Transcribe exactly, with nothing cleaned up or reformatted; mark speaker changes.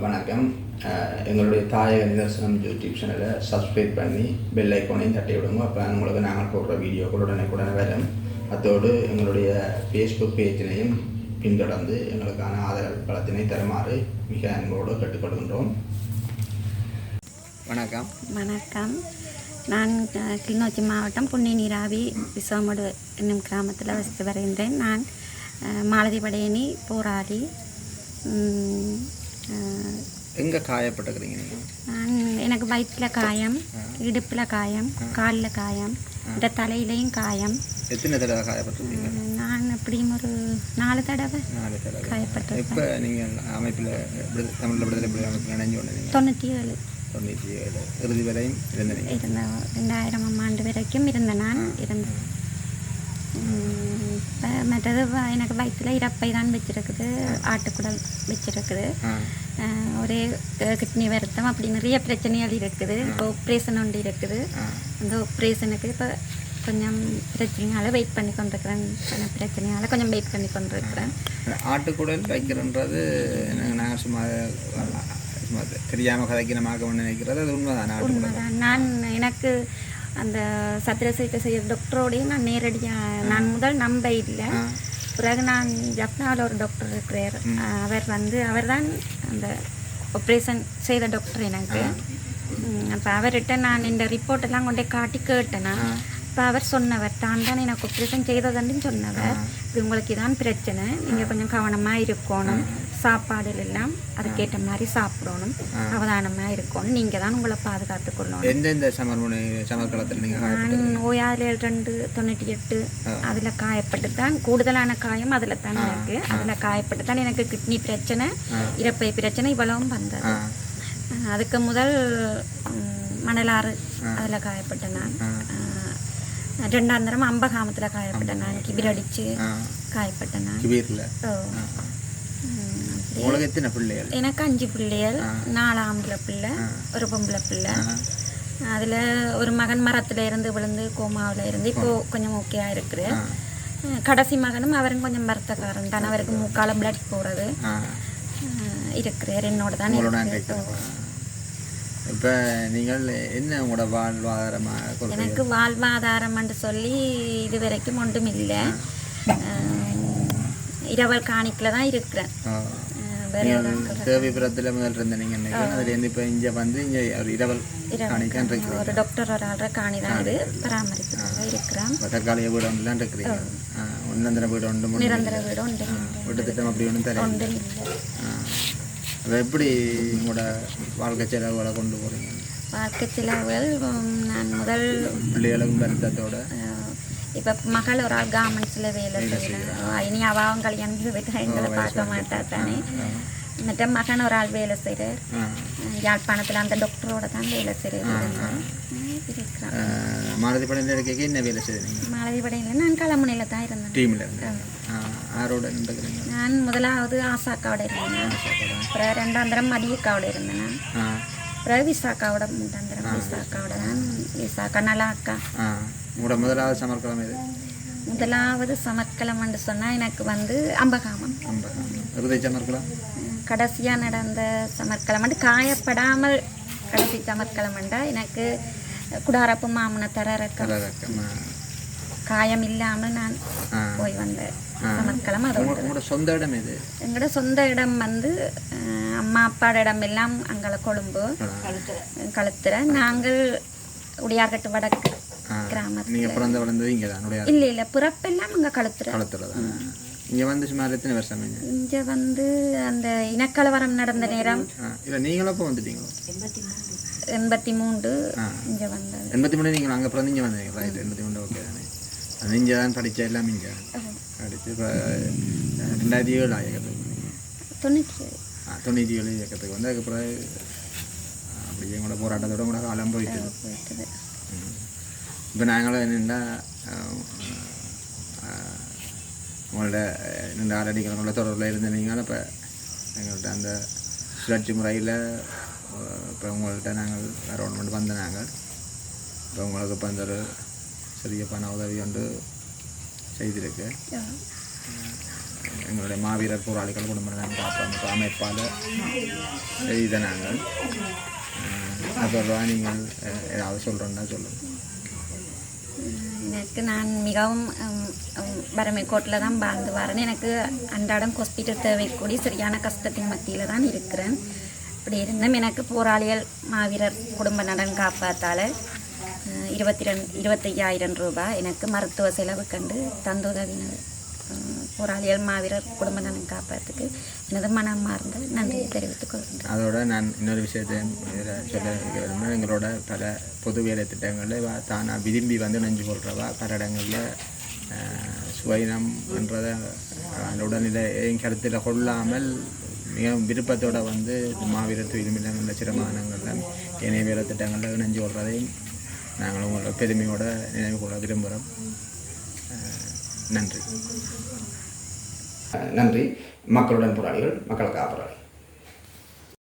Speaker 1: வணக்கம். எங்களுடைய தாயக நிதர்சனம் யூடியூப் சேனலை சப்ஸ்கிரைப் பண்ணி பெல் ஐக்கோனையும் தட்டி விடுங்க. அப்போ உங்களுக்கு நாங்கள் போடுற வீடியோக்கள் உடனே வரும். அதோடு எங்களுடைய ஃபேஸ்புக் பேஜினையும் பின்தொடர்ந்து எங்களுக்கான ஆதரவு பலத்தினை தருமாறு மிக அன்போடு கேட்டுக்கொள்கின்றோம்.
Speaker 2: வணக்கம்.
Speaker 3: வணக்கம். நான் கிளிநொச்சி மாவட்டம் புண்ணி நீராவி விசவமடு என்னும் கிராமத்தில் வசித்து வருகின்றேன். நான் மாலதி படையணி போராடி
Speaker 2: எங்கே காயப்பட்டுக்கிறீங்க நீங்கள்?
Speaker 3: நான் எனக்கு வயிற்றில் காயம், இடுப்பில் காயம், காலில் காயம், இந்த தலையிலையும் காயம்.
Speaker 2: எத்தனை தடவை காயப்பட்டிருக்கீங்க?
Speaker 3: நான் எப்படியும் ஒரு நாலு தடவை
Speaker 2: நாலு தடவை
Speaker 3: காயப்பட்டு.
Speaker 2: இப்போ நீங்கள் அமைப்பில் தமிழில் விடுதலை புலி அமைப்பில் நினைஞ்சு கொண்டு
Speaker 3: தொண்ணூற்றி ஏழு
Speaker 2: தொண்ணூற்றி ஏழு இறுதி வரையும் இருந்தேன்.
Speaker 3: இருந்த ரெண்டாயிரமாம் ஆண்டு வரைக்கும் இருந்த நான் இருந்தேன். இப்போ மற்றது எனக்கு வயிற்றில் இறப்பை தான் வச்சுருக்குது, ஆட்டுக்குடல் வச்சுருக்குது, ஒரே கிட்னி வருத்தம், அப்படி நிறைய பிரச்சனைகள் இருக்குது. இப்போ ஆப்ரேஷன் ஒன்று இருக்குது. அந்த ஆப்ரேஷனுக்கு இப்போ கொஞ்சம் பிரச்சனையால் வெயிட் பண்ணி கொண்டிருக்கிறேன். கொஞ்சம் பிரச்சனையால் கொஞ்சம் வெயிட் பண்ணி கொண்டிருக்கிறேன்.
Speaker 2: ஆட்டுக்குடல் வைக்கிறன்றது நாங்கள் சும்மா சும்மா தெரியாமல் கதைக்கினமாக ஒன்று நினைக்கிறது அது உண்மைதான்.
Speaker 3: உண்மைதான். நான் எனக்கு அந்த சத்திர சிகிச்சை செய்கிற டாக்டரோடையும் நான் நேரடியாக நான் முதல் நம்ப இல்லை. பிறகு நான் ஜப்னாவில் ஒரு டாக்டர் இருக்கிறார். அவர் வந்து அவர் தான் அந்த ஆப்ரேஷன் செய்த டாக்டர் எனக்கு. அப்போ அவர்கிட்ட நான் இந்த ரிப்போர்ட்டெல்லாம் கொண்டே காட்டி கேட்டேன்னா இப்போ அவர் சொன்னவர் தான் தான் எனக்கு ஆப்ரேஷன் செய்ததுன்னு சொன்னவர். இப்படி உங்களுக்கு இதான் பிரச்சனை, நீங்கள் கொஞ்சம் கவனமாக இருக்கணும், சாப்பாடுல எல்லாம் அதுக்கேற்ற மாதிரி சாப்பிடணும், அவதானமாக இருக்கணும், நீங்கள் தான் உங்களை பாதுகாத்து கொள்ளணும்.
Speaker 2: எந்தெந்த சமர்முனை சமர்க்களத்தில் நீங்கள்?
Speaker 3: நான் ஓயாறு ரெண்டு தொண்ணூற்றி எட்டு அதில் காயப்பட்டு தான் கூடுதலான காயம் அதில் தான் எனக்கு. அதில் காயப்பட்டு தான் எனக்கு கிட்னி பிரச்சனை, இறப்பை பிரச்சனை இவ்வளவும் வந்தது. அதுக்கு முதல் மணலாறு அதில் காயப்பட்டேன் நான். ரெண்டாம் தரம் அம்பகாமத்தில் காயப்பட்டேன் நான். கிபிர் அடித்து காயப்பட்டேன் நான். எனக்கு அஞ்சு பிள்ளைகள், நாலு ஆம்பளை பிள்ளை, ஒரு பொம்பளை பிள்ளை. அதில் ஒரு மகன் மரத்தில் இருந்து விழுந்து கோமாவில் இருந்து இப்போ கொஞ்சம் ஓகேயா இருக்குது. கடைசி மகனும் அவரும் கொஞ்சம் வருத்தக்காரன் தான். அவருக்கு மூக்கால பிளட் போகிறது இருக்கிறார். என்னோட தான்.
Speaker 2: இப்போ நீங்கள் என்ன உங்களோட வாழ்வாதாரமாக?
Speaker 3: எனக்கு வாழ்வாதாரம்னு சொல்லி இது வரைக்கும் ஒன்றும் இல்லை. இரவல் காணிக்கில் தான் இருக்கிறேன்.
Speaker 2: தேவைபுரத்தில் முதல் இருந்த நீங்கள் அதுலேருந்து இப்போ இங்கே வந்து இங்கே ஒரு இரவல் காணிக்கான் இருக்கு.
Speaker 3: ஒரு டாக்டர் ஒரு ஆள்ற காணி தான் இது பராமரிப்பு இருக்கிறேன்.
Speaker 2: தற்காலிக வீடு ஒன்றுலாம் இருக்கிறீங்க? நிரந்தர வீடு ஒன்று?
Speaker 3: நிரந்தர வீடு ஒன்று.
Speaker 2: வீட்டு திட்டம் அப்படி ஒன்றும் தர
Speaker 3: ஒன்றும் இல்லை.
Speaker 2: அதை எப்படி உங்களோட வாழ்க்கை செலவுகளை கொண்டு போகிறீங்க?
Speaker 3: வாழ்க்கை செலவுகள் நான் முதல்
Speaker 2: பிள்ளைகளுக்கும் வருத்தத்தோட
Speaker 3: இப்போ மகள் ஒரு ஆள் கார்மெண்ட்ஸில் வேலை செய்யலாம். இனி அவாவும் கல்யாணம் போய்ட்டு எங்களை பார்க்க மாட்டா தானே. மற்ற மகன் ஒரு ஆள் வேலை செய்கிறார் யாழ்ப்பாணத்தில், அந்த டாக்டரோட தான் வேலை செய்கிறார். இருக்கிறான்.
Speaker 2: மாலதி படையில் இருக்க என்ன வேலை செய்கிறீங்க?
Speaker 3: மாலதி படையில் நான் களமுனையில் தான் இருந்தேன்.
Speaker 2: டீமில் இருந்தேன். ஆரோட இருந்துக்கிறீங்க?
Speaker 3: நான் முதலாவது ஆசாக்காவோட இருந்தேன். அப்புறம் ரெண்டாம் தரம் மதியக்காவோட இருந்தேன். அப்புறம் விசாக்காவோட மூன்றாம் தரம் விசாக்காவோட தான். விசாக்கா நல்லா அக்கா.
Speaker 2: உங்களோட முதலாவது சமர்க்களம் இது?
Speaker 3: முதலாவது சமர்க்களம்னு சொன்னால் எனக்கு வந்து அம்பகாமம்.
Speaker 2: அம்பகாமம் இறுதி சமர்க்களம்?
Speaker 3: கடைசியாக நடந்த சமர்க்களம் வந்து காயப்படாமல் கடைசி சமர்க்களம்ண்டா எனக்கு குடாரப்பு மாமன தரரக்கம் காயம் இல்லாமல் நான் போய் வந்தேன் சமர்க்களம். அது
Speaker 2: உங்களோட சொந்த இடம் இது?
Speaker 3: எங்களோட சொந்த இடம் வந்து அம்மா அப்பாட இடம் எல்லாம் அங்கே கொழும்பு கழுத்துற. நாங்கள் உடையார்கட்டு வடக்கு கிராமத்தில்.
Speaker 2: நீங்கள் பிறந்த வளர்ந்தது இங்கே தான்?
Speaker 3: இல்லை இல்லை, பிறப்பெல்லாம் அங்கே கழுத்துற.
Speaker 2: கழுத்துல தான். இங்கே வந்து சுமார் எத்தனை வருஷம்?
Speaker 3: இங்கே வந்து அந்த இனக்கலவரம் நடந்த நேரம்.
Speaker 2: இல்லை நீங்களும் அப்போ வந்துட்டீங்களோ?
Speaker 3: எண்பத்தி மூன்று இங்கே வந்தது.
Speaker 2: எண்பத்தி மூணு நீங்கள் அங்கே பிறந்து இங்கே வந்தீங்க? ரைட். எண்பத்தி மூணு ஓகே தானே. அது இங்கே தான் படித்த எல்லாம் இங்கே படித்து இப்போ ரெண்டாயிரத்தி ஏழு இயக்கத்துக்கு
Speaker 3: தொண்ணூற்றி ஏழு
Speaker 2: ஆ தொண்ணூற்றி ஏழு இயக்கத்துக்கு வந்து அதுக்கப்புறம் அப்படியே எங்களோட போராட்டத்தோட கூட காலம் போயிட்டு
Speaker 3: போயிட்டுது.
Speaker 2: இப்போ நாங்களும் என்னென்னா உங்களோட ரெண்டு ஆறடிகளோட தொடர்பில் இருந்தீங்கன்னா இப்போ எங்கள்கிட்ட அந்த சுழற்சி முறையில் இப்போ உங்கள்கிட்ட நாங்கள் வேறு ஒன்று வந்த நாங்கள் இப்போ உங்களுக்கு இப்போ அந்த ஒரு சிறிய பண உதவி ஒன்று செய்திருக்கு. எங்களுடைய மாவீரர் போராளிகள் குடும்ப நலன் காப்பமைப்பு அமைப்பால் செய்த நாங்கள் அதோட நீங்கள் ஏதாவது சொல்கிறோன்னா சொல்லுங்கள்.
Speaker 3: எனக்கு நான் மிகவும் வறுமைக்கோட்டில் தான் வாழ்ந்து வரேன். எனக்கு அன்றாடம் ஹாஸ்பிட்டல் தேவைக்கூடிய சரியான கஷ்டத்தின் மத்தியில் தான் இருக்கிறேன். இப்படி இருந்தும் எனக்கு போராளிகள் மாவீரர் குடும்ப நலன் காப்பாற்றால் இருபத்தி ரெண்டு இருபத்தையாயிரம் ரூபாய் எனக்கு மருத்துவ செலவு கண்டு தந்துதவினர் போராளிகள் மாவீரர் குடும்ப நலன் காப்பாற்றுக்கு எனது மனமார்ந்த நன்றியை தெரிவித்துக் கொள்கின்றேன்.
Speaker 2: அதோட நான் இன்னொரு விஷயத்தையும் இதில் சொல்ல விரும்புகிறேன். எங்களோட பல பொது வேலை திட்டங்களில் தானாக விரும்பி வந்து நெஞ்சு கொள்றவா பல இடங்களில் சுவைனம் என்றதை உடல்நிலையும் கருத்தில் கொள்ளாமல் மிக விருப்பத்தோடு வந்து மாவீரர் துயிலுமில்லம் என்ற சிரமானங்களில் இணைய வேலை திட்டங்களில் நெஞ்சு கொள்றதையும் நாங்கள் உங்களோட பெருமையோடு நினைவு கொள்ள விரும்புகிறோம். நன்றி.
Speaker 1: நன்றி. மக்களுடன் போராளிகள், மக்களுக்காக போராளி.